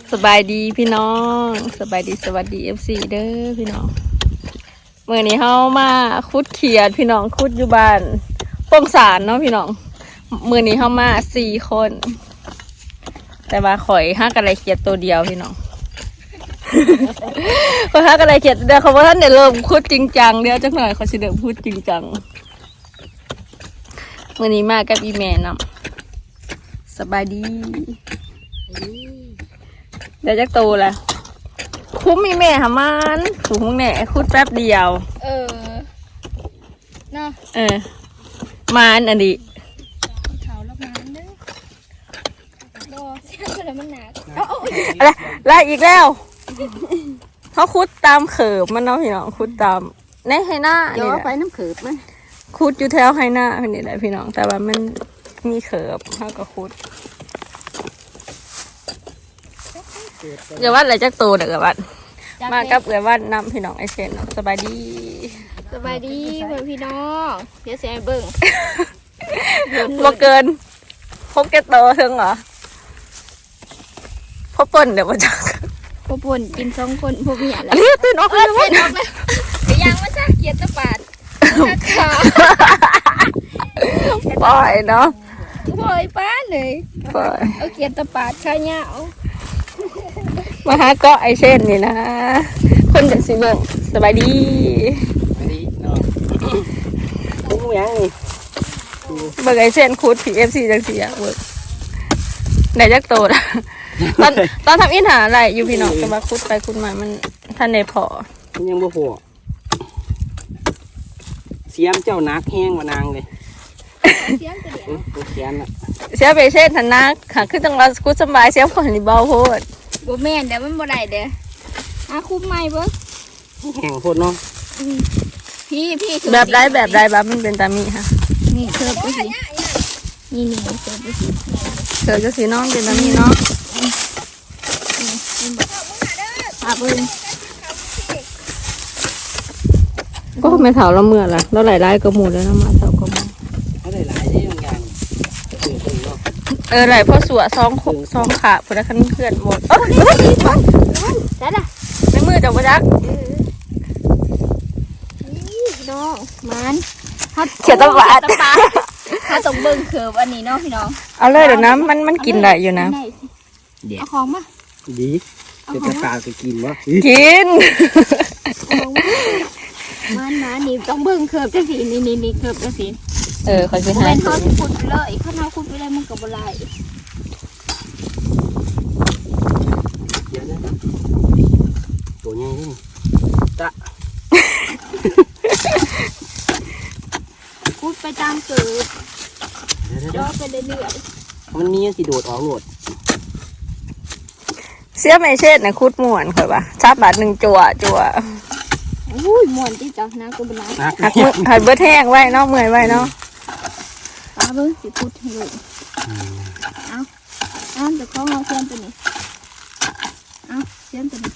สบายดีพี่น้องสบายดีสวัสดีFCเด้อพี่น้องเมื่อนี้เฮามาคุดเขียดพี่น้องคุดอยู่บ้านป้องสารเนาะพี่น้องมื่อนี้เฮามา4 คนแต่ว่าข่อยฮักอะไรเขียดตัวเดียวพี่น้องข่อยฮักอะไรเขียดเดี๋ยวเขาว่าท่านเดี๋ยวเริ่มคุดจริงจังเดี๋ยวจักหน่อยเขาสิเริ่มพูดจริงจังมื่อนี้มากับอีแม่นำสบายดีเดี๋ยวจักโตละคุ้มมีแม่หามันถูกแน่คุดแป๊บเดียวเนาะมันอันนี้เขาแล้วมันเด้อรอเสียงแล้วมันหนักอะไรไล่อีกแล้วเขาคุดตามเขิบมันเนาะพี่น้องคุดตามในไฮหน้าย้อไปน้ำเขิบมั้ยคุดอยู่แถวไฮหน้าพี่นี่แหละพี่น้องแต่ว่ามันมีเขิบเขาก็คุดเดี๋ยววัดอะไรจักโตเดี๋ยววัดมากับเดี๋ยววัดนำพี่น้องไอเซนสบายดีสบายดีเพื่อนพี่น้องเดี๋ยวเสียเบิ่งบ่เกินพบแกโตถึงเหรอพบป่นเดี๋ยวมาจักพบป่นกิน2 คนพบเมียแล้วเรียกตื่นออกเลยตื่นออกเลยไปย่างมาซะเกียรตะปาดปล่อยเนาะปล่อยป้าเลยปล่อยเอาเกียรตะปาดข้าวเหนียวมาหาเกาะไอเช่นนี่นะคนจากสีเบิงสบายดีสบายดีเนาะคุ้มยังนี่เบิงไอเช่นคูดผีเอฟซีจังสีอะเบิงไหนจักโตนะตอนทำอินหาอะไรอยู่พี่น้องจะมาคุดไปคุดมามันท่านในพอมันยังบ่พอเสียมเจ้านักแห้งมานางเลยเสียงตัวเดียวเสียมอ่ะเสียไปเช่นทันนักค่ะคือต้องเราคุดสบายเสียคนนี่เบาโพดบ่แม่นเดี๋ยวมันบ่ได้เด้อคุ้มใหม่เบิ่งแห้งโพดเนาะพี่แบบไรบ้ามันเป็นตามีค่ะนี่เสิร์ฟไปสินี่เสิร์ฟไปสิเสิร์ฟจะสีน้องเป็นตามีเนาะเบิ่งก็ไม่เถาเราเมื่อละเราหลายๆกระหมูแล้วนะมาเถากระหมูเขาหลายได้บางอย่างหลายเพราะสัวซองขาพนักงานเพื่อนหมดได้ละในมือจับกระจักนี่น้องมันเขียนตะบาดเขาต้องเบิ่งเขือบอันนี้เนาะพี่น้องเอาเลยเดี๋ยวนะมันกินได้อยู่นะเอาของมาดีจะตะปาจะกินวะกินมันนี่ต้องเบิ่งเขือบจังสีนี่เขือบจังสีเขาจะให้เขาขุดไปเลยข้าวเหนียวขุดไปเลยมันกับอะไรตัวใหญ่นี่จ้ะขุดไปตามเกิดย่อไปเรื่อยๆมันมีสิโดดออกโหลดเสียไม่เช่นนะคุดม่วนค่อยปะชาบาท1จั่วอุ้ยม่วนที่จับนะกูเป็นไรหัดเบิดแห้งไว้เนาะเมื่อยไว้เนาะปลาเบิ้งสิขุดให้ลูกเอาจะคล้องเอาเสียมตัวนี้เอาเสียมตัวนี้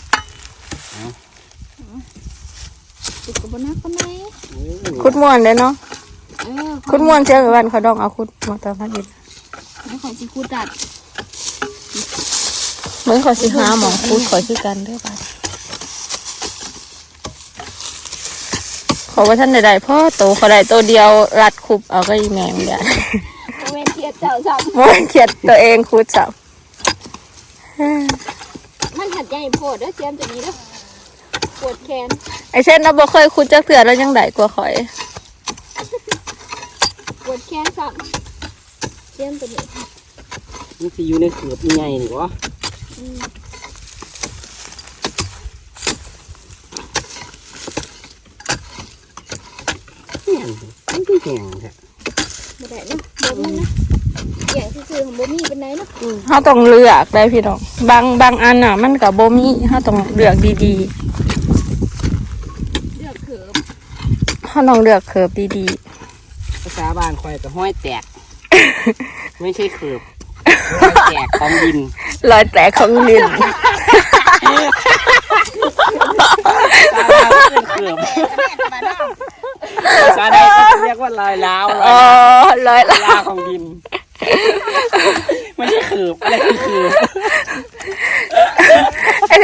ติดกับบนนักก็ไหมคุดม่วนเลยเนาะคุดม่วนเสียกับวันเขาดองเอาคุดมาตามพันดินแล้วขอสิขุดดัดเหมือนขอสิหาหมองคุดขอชื่อกันด้วยป่ะขอว่าท่านใดๆพ่อโตเขาได้ตัวเดียวรัดคุบเอาก็อีแมงเดียวโมเมนเทียดเจ้าจับโมเมนเทียดตัวเองคุดจับมันหัดใหญ่โผล่ด้วยเสียมตัวนี้ด้วยปวดแขนไอเช่นเราบ่เคยคุดจักเถื่อแล้วยังได้กว่าข่อยปวดแขนสับเสียมตัวนี้มันจะอยู่ในเขือบยังไงหนิวะมันก็แห้งแท้บ่ได้เนาะบ่มันนะอย่างซื่อๆของบ่มีเป็นไหนเนาะเขาต้องเลือกได้พี่น้องบางอันอ่ะมันกับบ่มีเขาต้องเลือกดีๆเลือกเขือบเขาต้องเลือกเขือบดีภาษาบ้านคอยกับห้อยแตกไม่ใช่เขือบรอยแตกของดินรอยแตกของดินภาษาใดก็เรียกว่ารอยร้าวรอยร้าวของดินไม่ใช่เขือบอะไรคือ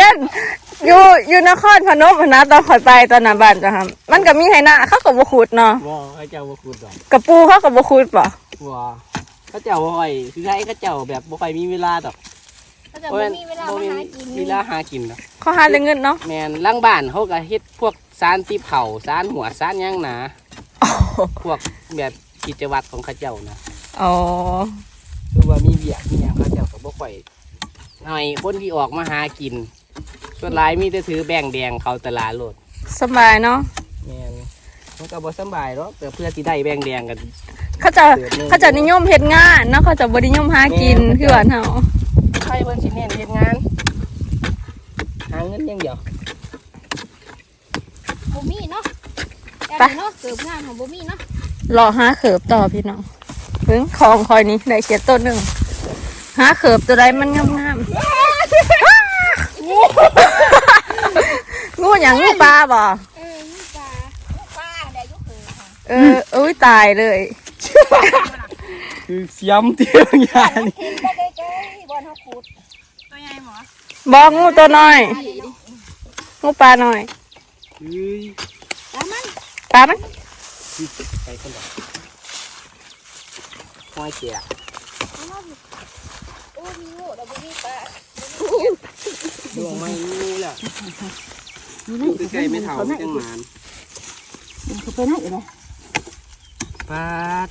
ย็นอยู่นครพนมนะตอนข่อยไปตอนหน้าบ้านจ้ะครับมันก็มีให้หน้าเขาก็บ่ขุดเนาะว่าเขาเจ้าบ่ขุดดอกกระปูเขาก็บ่ขุดป่ะว่าเขาเจ้าบ่ค่อยคือใครเขาเจ้าแบบบ่ค่อยมีเวลาดอกเขาจะไม่มีเวลามาหากินเวลาหากินดอกเขาหาได้เงินเนาะแม่นหลังบ้านเขาก็เฮ็ดพวกสารตีเผาสารหัวสารหยังหนาพวกแบบกิจวัตรของเขาเจ้านะอ๋อคือว่ามีเบียกมีหยังเขาเจ้าก็บ่ค่อยหน่อยคนที่ออกมาหากินส่วนหลายมีแต่ถือแบ่งแดงเขาตลาดโลดสบายเนาะแม่นมันก็บ่สำบายหรอกแต่เพื่อที่ได้แบ่งแดงกันเขาจะนิยมเฮ็ดงานเนาะเขาจะบ่นิยมหากินคือว่าเฮาใครเพิ่นสิเน้นเฮ็ดงานหาเงินอย่างเดียวบ่มีเนาะแต่เนาะเกิดงานของบ่มีเนาะรอหาเขิบต่อพี่น้องเพิ่งของคอยนี้ได้เขียดต้นหนึงหาเขิบตัวใดมันงามๆงูหยังงูปลาบ่นี่ปลาได้ยุคือค่ะอุ้ยตายเลยคือเสียมเตียงยานกินไปใกล้ๆบอนเฮาขุดตัวใหญ่หมอบ่งูตัวน้อยงูปลาน้อยเฮ้ยแล้วมันปลามันไปคนเดียวห้อยเจียโอ้มีงูแล้วบ่มีปลาดวงไม่รู้แหละอยู่ใกล้ๆไม่เท่าจังหมานเขาไปไหนอยู่เลยปาด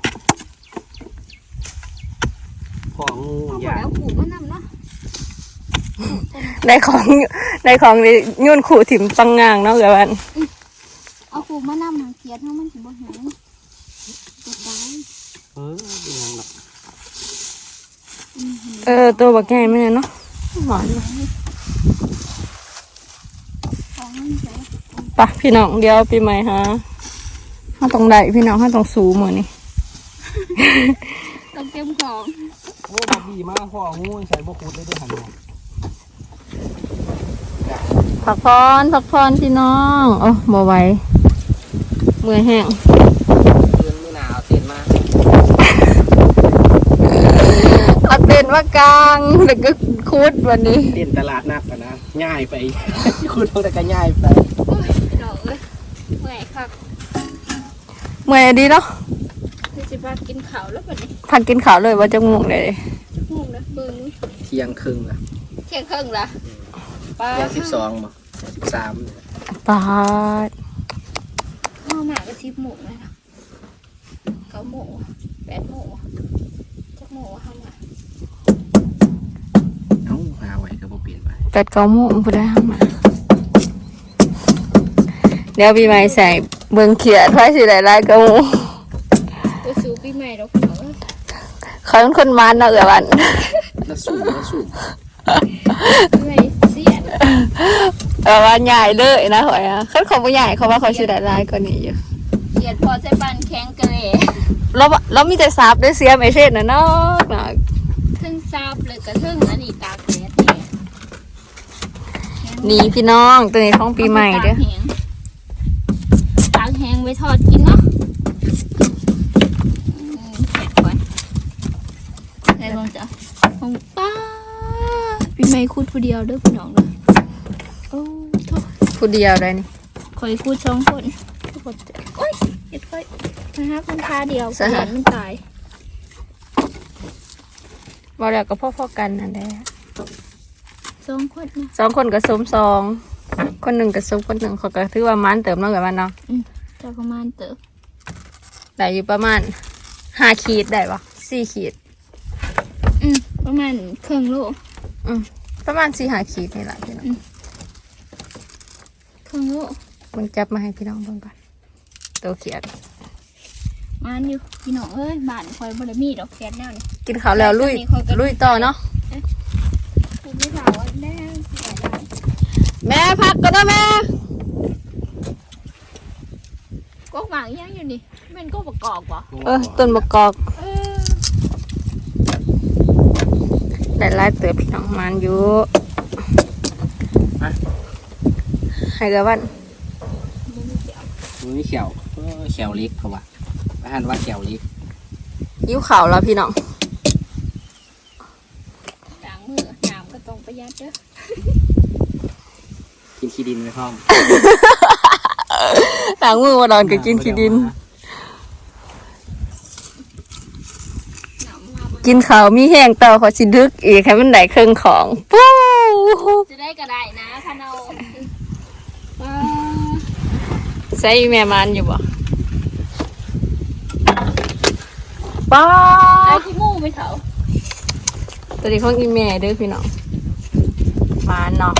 ของงูเอายาแล้วขู่มันนำเนาะในของนี่ยุ่นขู่ถิ่มปังงางเนาะเกือวันเอาขู่มานำหาเกียดเฮามันสิบ่หายจะตายเป็นยังหรอกตัวบักใหญ่ไม่เนาะหมอนของมันเสียปะพี่น้องเดี๋ยวปีใหม่ฮะห้าตรงใดพี่น้องห้าตรงสูงเหมือนนี่ต้องเก็บของโอ้บักดีมากพ่องูใส่บกุดได้ด้วยหันเนี่ยพักพรพี่น้องโอ้บ่ไหวเมื่อยแห้งเดือนไม่หนาวเต็นมาเอาเต็นท์มากลางแล้วก็คุดวันนี้เต้นตลาดนัดกันนะง่ายไป คุณต้องแต่ก็ง่ายไปโอ้ยดอกเอ้ยเมื่อยคักเมื่อยดีเนาะคือสิพากินข้าวแล้วบัดนี้พักกินข้าวเลยว่าจะง่วงเลยงูนะเบิ่งเที่ยงครึ่งละเที่ยงครึ่งละปลาเที่ยง12บ่13 ปาดข้าวหมาก็10โมงแล้วนะ9โมง8โมงจักโมงข้าวหมาเอ้าหาไว้ก็บ่เปลี่ยนไป 8-9 โมงผู้ได้ห้ามาเดี๋ยวปีใหม่ใส่เบิ่งเขียดไว้สิได้หลายกระมูไปสู่ปีใหม่ดอกพี่น้องเขาเป็นคนมันเนาะเกือวันแล้วสูงปีใหม่เสียดว่าใหญ่เลยนะหอยอ่ะเขาของผู้ใหญ่เขาว่าเขาสิได้หลายกว่านี้อยู่เสียดพอใส่ปานแข็งกะเลยเรามีแต่ซับด้วยเสียมไอเช่นนะเนาะทึ่งซาบเลยกระทึ่งอันนี้ตากแดดเนี่ยนี่พี่น้องตัวนี้ของปีใหม่เด้อตากแห้งไว้ทอดกินเนาะเสร็จก่อนได้บ้างจ้ะของป้าปีใหม่คูดผู้เดียวเด้อพี่น้องเด้อโอ้โทษผู้เดียวได้นี่คอยคูด2 คนโอ้ยเห็ดค่อยนะครับมันทาเดียวเห็นมันตายบอกแล้วก็พ่อกันนั่นแหละ 2 คนนะ 2 คนกับสม2คนหนึ่งกับสมคนหนึ่งเขาก็ถือว่ามันเติมเนาะกับมันเนาะจะประมาณเติบได้อยู่ประมาณ5 ขีดได้ปะ4 ขีดประมาณครึ่งโลประมาณ4-5 ขีดนี่แหละพี่น้องครึ่งโลมันจับมาให้พี่น้องเบิ่งก่อนตัวเขียดมันอยู่พี่น้องเอ้ยบ้านคอยบ่ได้มีดอกแคทแนวนี่กินข้าวแล้วลุยต่อเนาะคุณพี่สาวว่าแน่สิได้แม่พักก็ได้แม่กกหมากยังอยู่นี่มันก็ประกอบบ่ต้นมะกอกเออได้หลายเติบพี่น้องมันอยู่ให้กับวันมือเขียวเขียวเล็กเขาว่าอาหารว่าเขียวเล็กยิ้วข่าวแล้วพี่น้องล้างมือน้ำก็ต้องประหยัดเด้อกินขี้ดินไปพร้อมล้างมือมาดอนก็กินขี้ดิน กินข้าวมีแห้งเต่าเขาสิดึกอีกให้มันได้เครื่องของปู้จะได้ก็ได้นะพะเนาใส่แม่มันอยู่บ่ป้าไอ้ที่มู่ไปเถาตัวนี้ของอีแม่เด้อพี่น้องมาเนาะ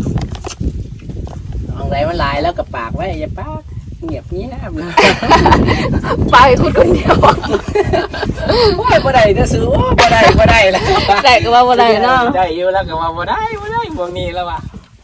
ของไรมันหลายแล้วกับปากไว้อย่าปากเงียบเงียบนะไปคุณคนเดียวโอ้ยบ่ได้จะซื้อโอ้บ่ได้แล้วแต่ก็ว่าบ่ได้เนาะได้อยู่แล้วก็ว่าบ่ได้พวกนี้แล้วว่ะ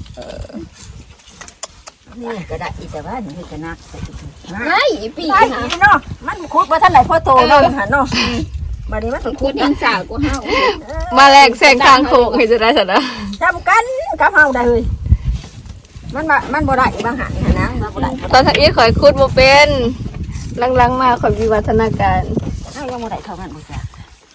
นี่ก็ได้อีแต่ว่านี่ก็นักใส่ถุงนะไอ้ปีไอ้นะเนาะมันคุดมาท่านไหนพ่อโตเนาะหันเนาะบัดนี้มันคุคุดดยังสาวกูเฮามาแลกแซงทางโค้งให้จะได้สันนะจำกันกับเฮาได้เลยมันบ่ได้บางหันนะมันบ่ได้ตอนทักอีข่อยคุดบ่เป็นลังๆมาข่อยวิวัฒนาการเฮายังบ่ได้เท่านั้นบ่จ้ะ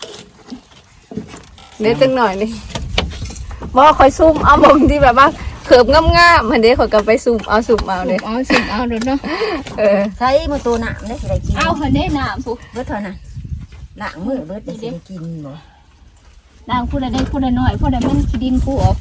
เดี๋ยวตึงหน่อยนี่บ่ข่อยซุ่มเอาบงที่แบบว่าเขิบงามๆมันเด้ข่อยก็ไปซุ่มเอาซุ่มเอาเด้เอาสิเอาเด้อเนาะใช้มือตัวน้ำได้สิได้กินเอาหันได้น้ำผู้เบิดเท่านั้นล้างมือเบิดได้สิได้กินบ่ดังพูดได้พูดได้น้อยพูดได้มันขี้ดินกูออก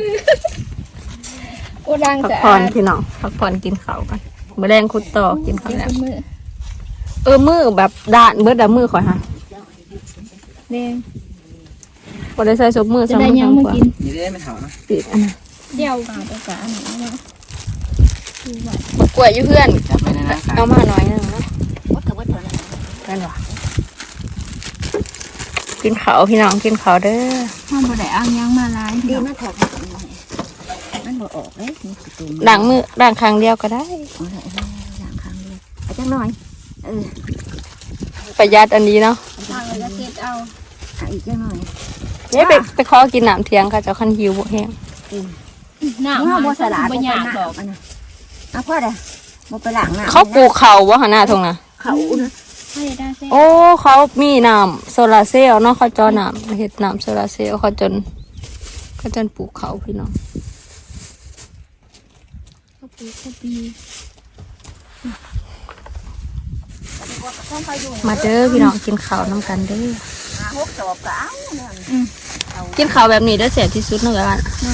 กูดังพักจะผ่อนพี่น้องพักผ่อนกินข้าวกันมื้อแรงคุดต่อกินข้าวแล้วมือมือแบบด่านเบิดมือข่อยฮะแดงบ่ได้ใส่ซบมือจะซ้ำได้ยังมากินนี่ได้ไม่เท่านะติดอันนั้นเดี๋ยวปลาตะกะอันนี้เนาะบักกล้วยอยู่เพื่อนจับไปนะเอามาหน่อยนึงนะเบิดก็เบิดเท่านั้นนั่นว่ะกินข้าวพี่น้องกินข้าวเด้อห้ามบ่ได้อ้างยังมาลายดีมันแถบมันบ่ออกเด้นี่คือตัวล้างมือล้างครั้งเดียวก็ได้เอาละล้างครั้งเดียวเอาจังหน่อยเออประหยัดอันนี้เนาะทางเลยจะเก็บเอาเอาอีกจังหน่อยเนี่ยไปขอกินน้ำเที่ยงค่ะเจ้าคันหิวบ่แห้งน้ำเฮาบ่สลาดบ่บ่อยากน้บอกอันน่ะเอาพ่อเด้อบ่ไปล้างน้ำเขาปลูกเขาว่าหาหน้าทงนะเขานะให้ได้เส้โอ้เขามีน้ำโซลาร์เซลล์เนาะเขาเจอน้ำเฮ็ดน้ำโซลาร์เซลล์เขาจนปลูกเขาพี่น้องข้าวปูข้าวปีมาเด้อพี่น้องกินข้าวน้ำกันเด้อหกศอกก็เอาเนี่ยกินข้าวแบบนี้ได้อเสียที่สุดเนาะกัน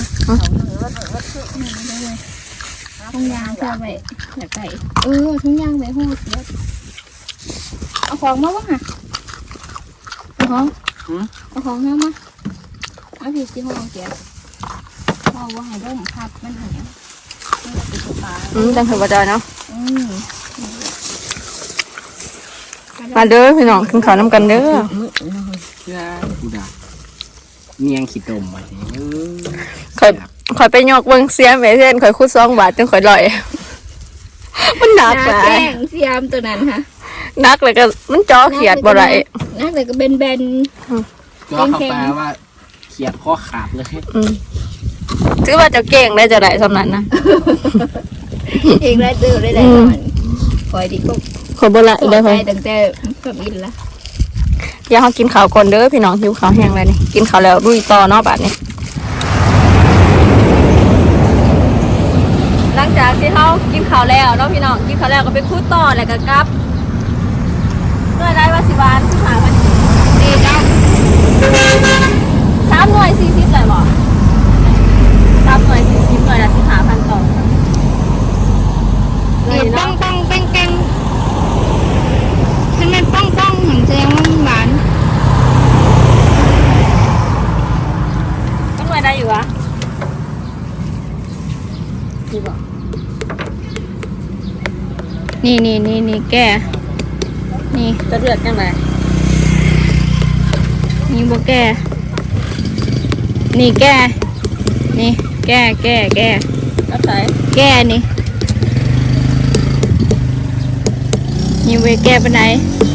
ทุ่งยางเพื่อไว้อยากไก่ทุ่งยางไว้หูเสียเอาของมาบ้างค่ะเอาของมามาเอาผิดที่ห้องเสียพ่อว่าให้ร่มพัดมันหายจังถือว่าจอยเนาะอืมมาเด้อพี่น้องกินข้าวน้ำกันเด้อกูด่าเนียงขี้ตมมาทีข่อยไปยกเบิ่งเสียแม่เส้นข่อยคุด2 บาทจนข่อยลอย มันหนักหหน้าลาแป้ยงเสียมตัวนั้นค่ะหนักเลยก็มันจ่อเขียดบ่ได้หน้าแต่ก็เบนก็เข้าไปว่าเขียดข้อขาดเลยถือว่าเจะเก่งได้จะได้สำนั้นนะๆเองได้ตื่นได้หลายวันคอยดีก็ข่อยบ่ละขอได้ใจข่อยตั้งแต่ก็อินละอย่าเฮากินข้าวก่อนเด้อพี่น้องหิวข้าวแห้งแล้วนี่กินข้าวแล้วลุยต่อเนาะบัดนี้หลังจากที่เฮากินข้าวแล้วเนาะพี่น้องกินข้าวแล้วก็ไปคุดต่อแล้วก็กลับเมื่อได้ว่าสิบาทสิหาพันดีเนาะ3 หน่วย40เลยบ่3 หน่วย40หน่วยละ15,000ต่อเดี๋ยวป้องป้องแป้งแป้งถ้ามันป้องป้องเหมือนแสดงว่ามันหวานต้องไว้ได้อยู่วะนี่แกนี่จะเดือดจังไงนี่บ่แกนี่แกนี่แกรับสายแกนี่นี่เวแกไปไหน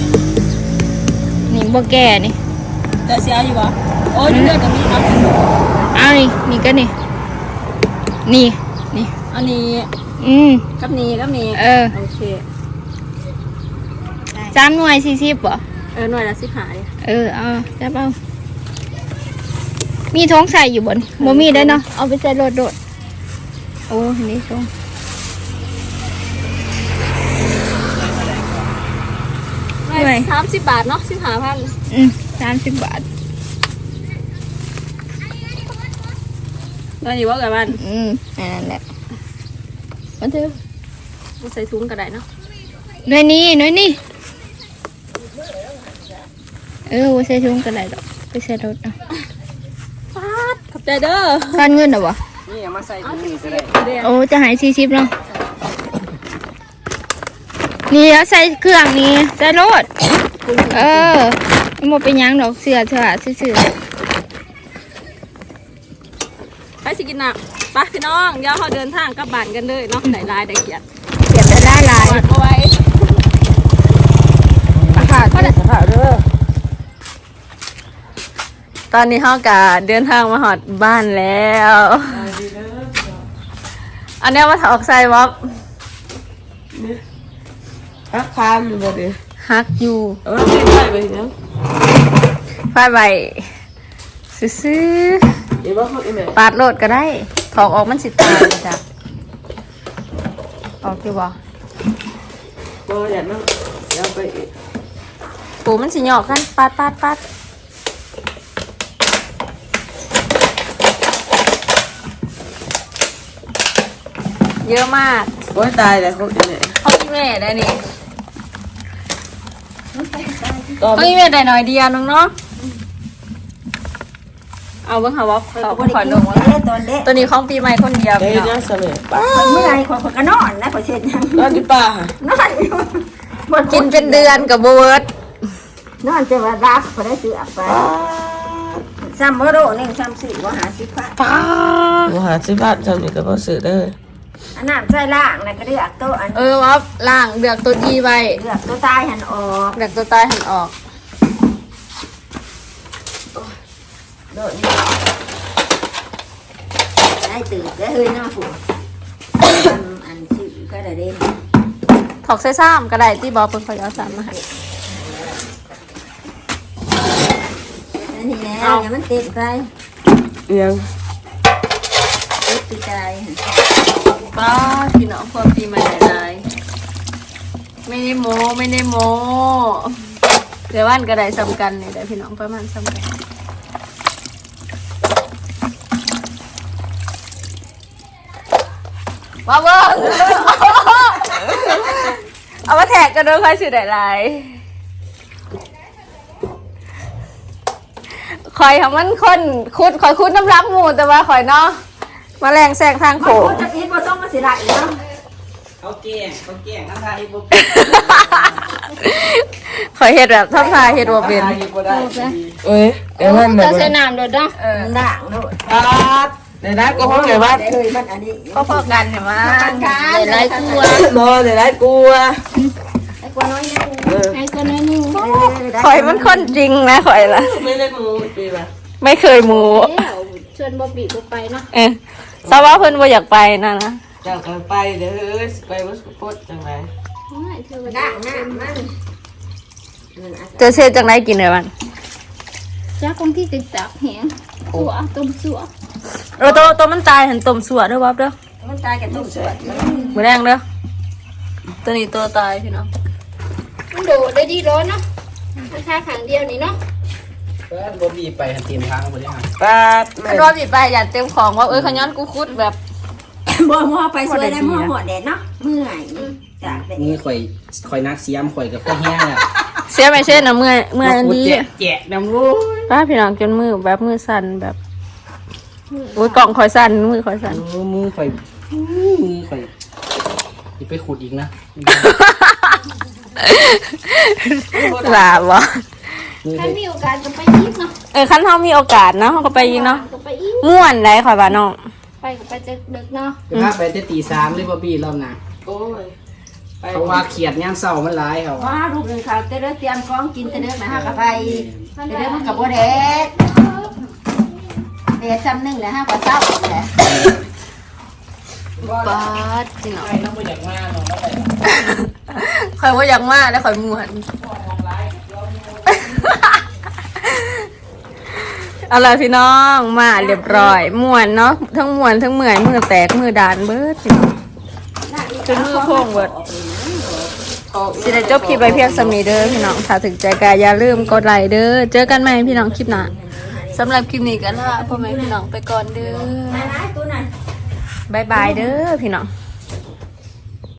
นี่บ่แกนี่จะเสียอยู่วะโอ้ยเดือดตรงนี้เนาะเอานี่ก็นี่นี่อันนี้ กับนี้โอเค 3 หน่วย40บ่หน่วยละ15เลยเอาจับเอามีท้องใส่อยู่บนบ่มีได้เนาะเอาไปใส่รถโดดอ้นี่ชง 30 บาทเนาะ15,000 30 บาทนั่นอยู่ว่ากันมันนั่นแหละมาเถอะบ่ใส่ถุงก็ได้เนาะหน่วยนี้ว่าใส่ถุงกันได้ดอกไปใส่รถเอาฟาดขอบใจเด้อทอนเงินเหรอวะนี่เอามาใส่ถุงนี่ก็ได้โอ้จะหาย40เนาะนี่แล้วใส่เครื่องนี้ใส่รถมันบ่เป็นหยังดอกเสื้อซื่อไปสิกินน้ำไปพี่น้องเดี๋ยวเราเดินทางกลับบ้านกันเลยเนาะไหนลายได้เกียรติๆเก็บได้หลายกอดเอาไว้ข้าวข้าวเด้อตอนนี้เฮากะเดินทางมาหอดบ้านแล้ว อันเนี้ยมาถอกใส่บ๊อบฮักคามอยู่บ่ดิฮักอยู่ไม่ได้ไปเนาะไฟใบซื้อเดี๋ยวว่าเขาอีแม่ๆปาดโลดก็ได้ถอกออกมันสิตายจ้ะออกอยู่บ่บ่อยากนั่งเดี๋ยวไปปูมันสิหยอกกันปาดเยอะมากโอ้ยตายแล้วเขาอีแม่เขาอีเมได้นี่เขาอีเมได้หน่อยเดียวน้องเนาะเอาเบิ่งหาว่าเขาขอลงว่าตอนเด็กตัวนี้ของปีใหม่คนเดียวเดี๋พี่ยวน้อจะงเสมอป้าเมื่อไรคนก็นอนนะขอเช็ดยังนอนอยู่ป่านอนอยู่กินเป็นเดือนกับเบิร์ดนอนจะว่ารักพอได้ซื้อไปซ้ำเมื่อโรนึงซ้ำสี่ว่าหาสิบพันหาสิบบาทจำนี่ก็พอซื้อได้อันนั้นใส่ล่างนะก็เลือกตัวอันว่าล่างเดือกตัวดีไว้เลือกตัวตายหันออกเดือกตัวตายหันออกโดดนี่ได้ตื่นได้เฮ้ยน้าผัวอันชื่อก็ได้เด่นถอกใส่ซ้ำก็ได้ที่บอกเพิ่นเขาจะเอาซ้ำมาให้อันนี้แหละอย่ามันเต็มไปยังเต็มปีใจป้าพี่น้องพวกปีใหม่หลายๆไม่ได้โมเดี๋ยววันก็ได้ซ้ำกันนี่ได้พี่น้องประมาณซ้ำกันว้าวเบิ้งเอามาแท็กกันด้วยใครชื่อได้ไรคอยทำมันคนคอยคุดน้ำรักหมูแต่ว่าคอยเนาะมาแรงแซงทางโขงจะกินบ่ต้องมาเสียดายเนาะเขาแกล้งน้ำลายบ่คอยเห็ดแบบทำทายเห็ดว่าเป็นบ่ได้เอ้ยเดี๋ยวมันจะใส่น้ำโดดเนาะด่างโดดปาดเดี๋ยวได้ก็ห้องไหนบ้านได้เฮ้ยมันอันนี้ก็พอกันเห็นไหมใส่หลายกลัวนอนเดี๋ยวได้กลัวไอ้กว่าน้อยนึงให้ก็น้อยนึงคอยมันคนจริงนะคอยละไม่ได้มูปีละไม่เคยมูแล้วชวนบ่บีบ่ไปเนาะทราบว่าเพิ่นบ่อยากไปนะนะจากกันไปเดี๋ยวไปวัดสุพจน์จังไรเธอด่างหน้ามันเจอเซจังไรกินเลยมันจ้าคงที่ติดตักแหงสัวต้มสัวตัวมันตายเห็นต้มสัวด้วยวับเด้อมันตายกันตุ้มสวดมือแรงเด้อตัวนี้ตัวตายพี่น้องมันโดดได้ดีร้อนเนาะราคาขังเดียวนี่เนาะเพิ่นบ่มีไปหันเตรียมทางบ่ได้หาปาดแม่คันว่าบีไปอย่าเต็มของว่าขย้อนกูคุดแบบบ่มัวไปสวยได้มัวหัวแดดเนาะเมื่อยจากแดดนี่ข่อยนักเสียมข่อยกับพ่อแห้งอ่ะเสียไม่เช่นนะเมื่อยอันนี้แจกน้ำรู้ป้าพี่น้องจนมือแบบมือสั่นแบบโอ้ยกล่องคอยสั่นมือคอยสั่นมือข่อยอย่าไปขุดอีกนะลาบวะมือถ้าข่อยมีโอกาสก็ไปอีกเนาะคันเฮามีโอกาสเนาะเฮาก็ไปยิงเนาะก็ไปอีกม่วนได้ข่อยว่าน้องไปก็ไปจะดึกเนาะจะพาไปแต่ตี3เลยบ่บี้รอบหน้าโอ้ยเพราะว่าเขียดยามเช้ามันหลายเขาว่าลูกหนึ่งเขาจะเลือกเตรียมของกินจะเลือกมาห้ากับไปจะเลือกมันกับบัวแดดแดดจำหนึ่งแล้วห้ากับเจ้าแหละป๊าดพี่น้องไปแล้วบ่อยากมาเนาะแล้วไปข่อยว่าอยากมาแล้วข่อยม่วนเอาล่ะพี่น้องมาเรียบร้อยม่วนเนาะทั้งม่วนทั้งเมื่อยมือแตกมือดานเบิดพี่น้องจนมือโพ่งเบิดสิได้จบคลิปไปเพียงสำนีเด้อพี่น้องถ้าถึงใจกายอย่าลืมกดไลค์เด้อเจอกันใหม่พี่น้องคลิปหน้าสำหรับคลิปนี้ก็ลาพ่อแม่พี่น้องไปก่อนเด้อบ๊ายบายเด้อพี่น้อง